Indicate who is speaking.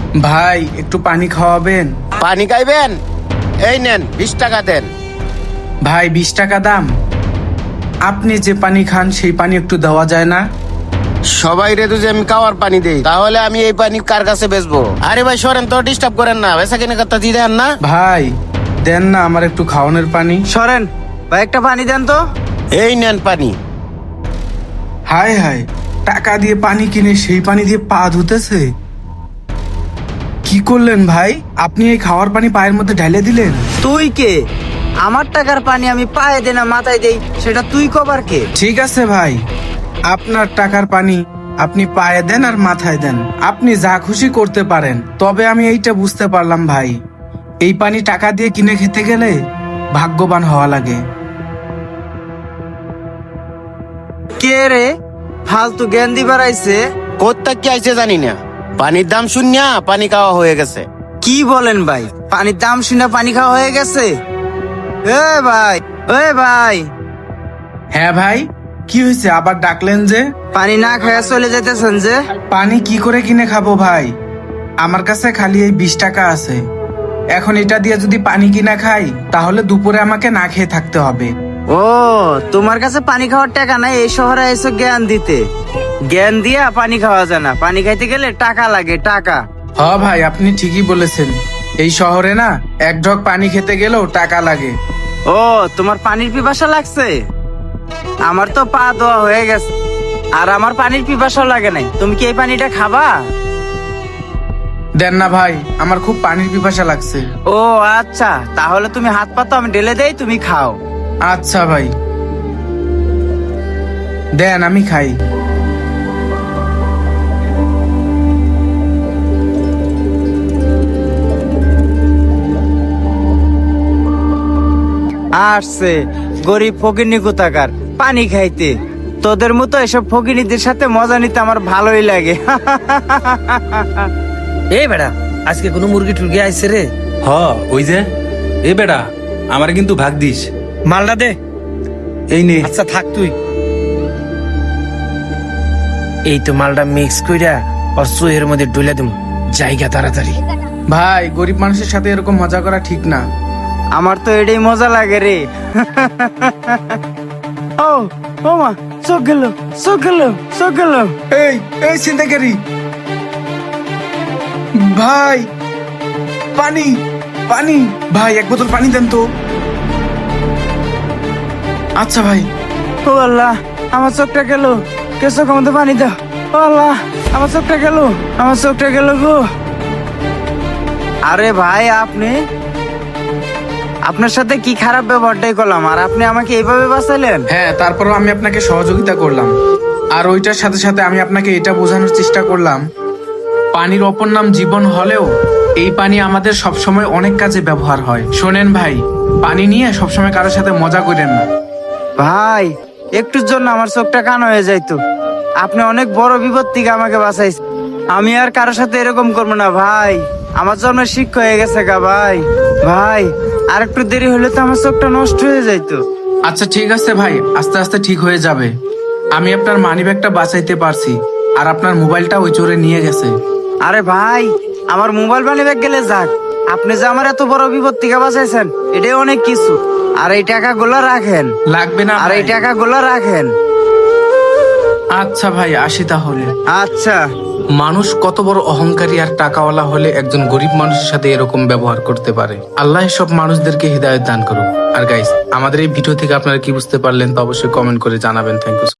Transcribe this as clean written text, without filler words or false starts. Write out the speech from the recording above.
Speaker 1: ভাই একটু পানি খাওয়াবেন?
Speaker 2: পানি খাইবেন? এই নেন 20 টাকা দেন।
Speaker 1: ভাই 20 টাকা দাম? আপনি যে পানি খান সেই পানি একটু দেওয়া যায় না?
Speaker 2: সবাই রে যে আমি খাওয়ার পানি দেই, তাহলে আমি এই পানি কার কাছে বেচবো? আরে ভাই সরেন তো, ডিস্টার্ব করেন না, বেচা কিনে কথা দিয়ে দেন না।
Speaker 1: ভাই দেন না আমার একটু খাওয়ানোর পানি।
Speaker 3: সরেন ভাই, একটা পানি দেন তো।
Speaker 2: এই নেন পানি।
Speaker 1: হায় হায়, টাকা দিয়ে পানি কিনে সেই পানি দিয়ে পা ধুতেছে। কি করলেন ভাই? আপনি এই খাওয়ার পানি পায়ের মধ্যে ঢেলে দিলেন?
Speaker 3: তুই কে? আমার টাকার পানি আমি পায়ে দেই না মাথায় দেই, সেটা তুই কবার কে?
Speaker 1: ঠিক আছে ভাই, আপনার টাকার পানি আপনি পায়ে দেন আর মাথায় দেন, আপনি যা খুশি করতে পারেন। তবে আমি এইটা বুঝতে পারলাম ভাই, এই পানি টাকা দিয়ে কিনে খেতে গেলে ভাগ্যবান হওয়া লাগে।
Speaker 3: কে রে ফালতু জ্ঞান দিবার আইছে?
Speaker 2: কোথা কি আইছে জানি না, পানির দাম শুনিয়া পানি খাওয়া হয়ে গেছে।
Speaker 3: কি বলেন ভাই? পানির দাম শুনে পানি খাওয়া হয়ে গেছে? এ ভাই, এ ভাই,
Speaker 1: হ্যাঁ ভাই, কি হয়েছে আবার ডাকলেন যে?
Speaker 3: পানি না খাইয়া চলে যেতেছেন যে?
Speaker 1: পানি কি করে কিনে খাবো ভাই? আমার কাছে খালি এই 20 টাকা আছে। এখন এটা দিয়ে যদি পানি কিনা খাই তাহলে দুপুরে আমাকে না খেয়ে থাকতে হবে।
Speaker 3: ও, তোমার কাছে পানি খাওয়ার টাকা নাই, এই শহরে এসে জ্ঞান দিতে। জ্ঞান দিয়া পানি খাওয়া যায় না, পানি খাইতে গেলে টাকা লাগে, টাকা।
Speaker 1: হ ভাই, আপনি ঠিকই বলেছেন, এই শহরে না এক ঢক পানি খেতে গেলেও টাকা লাগে।
Speaker 3: ও, তোমার পানির পিপাসা লাগছে? আমার তো পা ধোয়া হয়ে গেছে, আর আমার পানির পিপাসা লাগে নাই। তুমি কি এই পানিটা খাবা?
Speaker 1: দেন না ভাই, আমার খুব পানির পিপাসা লাগছে।
Speaker 3: ও আচ্ছা, তাহলে তুমি হাত পা তো আমি ঢেলে দেই, তুমি খাও।
Speaker 1: আচ্ছা ভাই, দেন আমি খাই।
Speaker 3: আসছে গরিব ফকিরনি কোথাকার পানি খাইতে। তোদের মতো এসব ফকিরনিদের সাথে মজা নিতে আমার ভালোই লাগে।
Speaker 4: এই বেড়া, আজকে কোনো মুরগি টুরগি আইছে রে?
Speaker 5: ওই যে এ বেটা, আমার কিন্তু ভাগ দিস।
Speaker 4: মালটা দে।
Speaker 5: এই নে।
Speaker 4: আচ্ছা থাক তুই। এই তো মালটা মিক্স কইরা আর সুয়ের মধ্যে ডুলে দিম, জায়গা তাড়াতাড়ি।
Speaker 1: ভাই, গরিব মানুষের সাথে এরকম মজা করা ঠিক না।
Speaker 3: আমার তো এটাই মজা লাগে রে। ও ও মা, চোখ গেল, চোখ গেল, চোখ গেল।
Speaker 1: এই এই ছিনতাইকারী ভাই, পানি পানি ভাই, এক বোতল পানি দেন তো। আচ্ছা ভাই।
Speaker 3: ও আল্লাহ, আমার চোখটা গেল, কে চোখের মধ্যে পানি দাও। ও আল্লাহ, আমার চোখটা গেল, আমার চোখটা গেল গো। আরে ভাই, আপনার সাথে কি খারাপ ব্যবহারটাই করলাম, আর আপনি আমাকে এইভাবে বাঁচাইলেন?
Speaker 1: হ্যাঁ, তারপরও আমি আপনাকে সহযোগিতা করলাম, আর ওইটার সাথে সাথে আমি আপনাকে এটা বোঝানোর চেষ্টা করলাম, পানির অপর নাম জীবন হলেও এই পানি আমাদের সবসময় অনেক কাজে ব্যবহার হয়। শোনেন ভাই, পানি নিয়ে সবসময় কারোর সাথে মজা করেন না।
Speaker 3: ভাই, একটুর জন্য আমার চোখটা কান হয়ে যাইতো। আপনি অনেক বড় বিপদ থেকে আমাকে বাঁচাইছেন। আমি আর কারোর সাথে এরকম করবো না ভাই, আমার জন্য শিক্ষা হয়ে গেছে গা ভাই। ভাই, আর একটু দেরি হলে তো আমার চোখটা নষ্ট হয়ে যাইতো।
Speaker 1: আচ্ছা ঠিক আছে ভাই, আস্তে আস্তে ঠিক হয়ে যাবে। আমি আপনার মানিব্যাগটা বাঁচাইতে পারছি, আর আপনার মোবাইলটা ওই চোরে নিয়ে গেছে।
Speaker 3: আরে ভাই, আমার মোবাইল বানি ব্যাগ গেলে যাক, আপনি যে আমার এত বড় বিপদ থেকে বাঁচাইছেন এটাই অনেক কিছু। আর এই টাকাগুলো রাখেন।
Speaker 1: লাগবে না
Speaker 3: আর এই
Speaker 1: ভাই।
Speaker 3: টাকাগুলো রাখেন।
Speaker 1: আচ্ছা ভাই, আসি তাহলে।
Speaker 3: আচ্ছা।
Speaker 1: মানুষ কত বড় অহংকারী আর টাকাওয়ালা হলে একজন গরিব মানুষের সাথে এরকম ব্যবহার করতে পারে। আল্লাহ সব মানুষদেরকে হিদায়াত দান করুক। আর গাইস, আমাদের এই ভিডিও থেকে আপনারা কি বুঝতে পারলেন তা অবশ্যই কমেন্ট করে জানাবেন। Thank you.